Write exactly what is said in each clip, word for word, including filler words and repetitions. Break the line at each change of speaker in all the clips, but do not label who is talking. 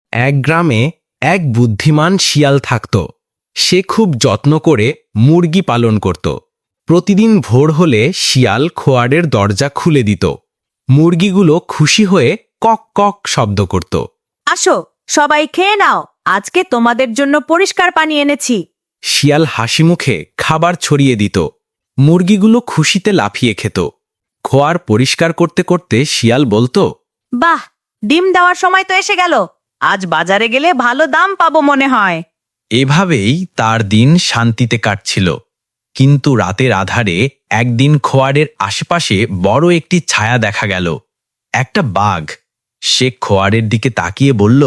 এক গ্রামে এক বুদ্ধিমান শিয়াল থাকত। সে খুব যত্ন করে মুরগি পালন করত। প্রতিদিন ভোর হলে শিয়াল খোয়ারের দরজা খুলে দিত। মুরগিগুলো খুশি হয়ে কক কক শব্দ করত।
আসো, সবাই খেয়ে নাও, আজকে তোমাদের জন্য পরিষ্কার পানি এনেছি।
শিয়াল হাসি মুখে খাবার ছড়িয়ে দিত। মুরগিগুলো খুশিতে লাফিয়ে খেত। খোয়ার পরিষ্কার করতে করতে শিয়াল বলতো,
বাহ, ডিম দেওয়ার সময় তো এসে গেল, আজ বাজারে গেলে ভালো দাম পাবো মনে হয়।
এভাবেই তার দিন শান্তিতে কাটছিল। কিন্তু রাতের আধারে একদিন খোয়ারের আশেপাশে বড় একটি ছায়া দেখা গেল। একটা বাঘ। সে খোয়ারের দিকে তাকিয়ে বলল,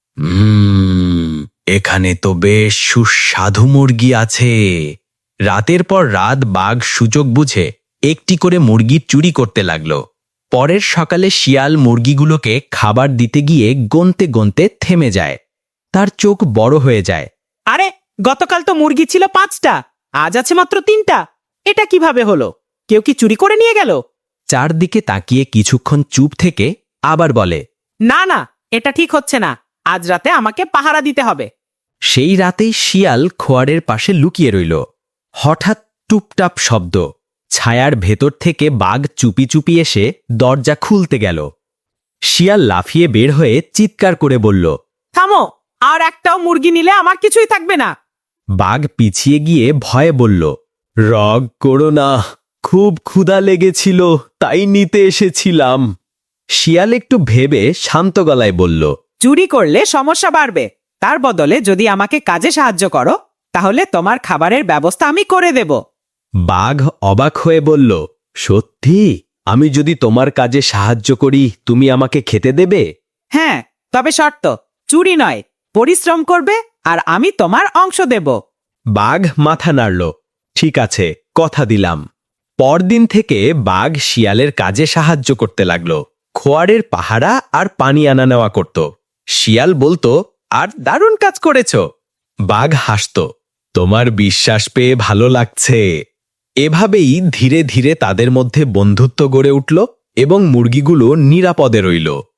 হুম এখানে তো বেশ সুস্বাদু মুরগি আছে। রাতের পর রাত বাঘ সুযোগ বুঝে একটি করে মুরগি চুরি করতে লাগলো। পরের সকালে শিয়াল মুরগিগুলোকে খাবার দিতে গিয়ে গনতে গনতে থেমে যায়। তার চোখ বড় হয়ে যায়।
আরে, গতকাল তো মুরগি ছিল পাঁচটা, আজ আছে মাত্র তিনটা। এটা কিভাবে হলো? কেউ কি চুরি করে নিয়ে গেল?
চারদিকে তাকিয়ে কিছুক্ষণ চুপ থেকে আবার বলে,
না না, এটা ঠিক হচ্ছে না, আজ রাতে আমাকে পাহারা দিতে হবে।
সেই রাতেই শিয়াল খোয়ারের পাশে লুকিয়ে রইল। হঠাৎ টুপটাপ শব্দ। ছায়ার ভেতর থেকে বাঘ চুপি চুপি এসে দরজা খুলতে গেল। শিয়াল লাফিয়ে বের হয়ে চিৎকার করে বলল,
থামো, আর একটাও মুরগি নিলে আমার কিছুই থাকবে না।
বাঘ পিছিয়ে গিয়ে ভয়ে বলল, রাগ করো না, খুব ক্ষুধা লেগেছিল তাই নিতে এসেছিলাম। শিয়াল একটু ভেবে শান্ত গলায় বলল,
চুরি করলে সমস্যা বাড়বে, তার বদলে যদি আমাকে কাজে সাহায্য করো তাহলে তোমার খাবারের ব্যবস্থা আমি করে দেব।
বাঘ অবাক হয়ে বলল, সত্যি? আমি যদি তোমার কাজে সাহায্য করি তুমি আমাকে খেতে দেবে?
হ্যাঁ, তবে শর্ত, চুরি নয়, পরিশ্রম করবে আর আমি তোমার অংশ দেব।
বাঘ মাথা নাড়ল। ঠিক আছে, কথা দিলাম। পরদিন থেকে বাঘ শিয়ালের কাজে সাহায্য করতে লাগলো। খোয়ারের পাহারা আর পানি আনা নেওয়া করত। শিয়াল বলতো, আর দারুণ কাজ করেছ। বাঘ হাসত, তোমার বিশ্বাস পেয়ে ভালো লাগছে। এভাবেই ধীরে ধীরে তাদের মধ্যে বন্ধুত্ব গড়ে উঠল এবং মুরগিগুলো নিরাপদে রইল।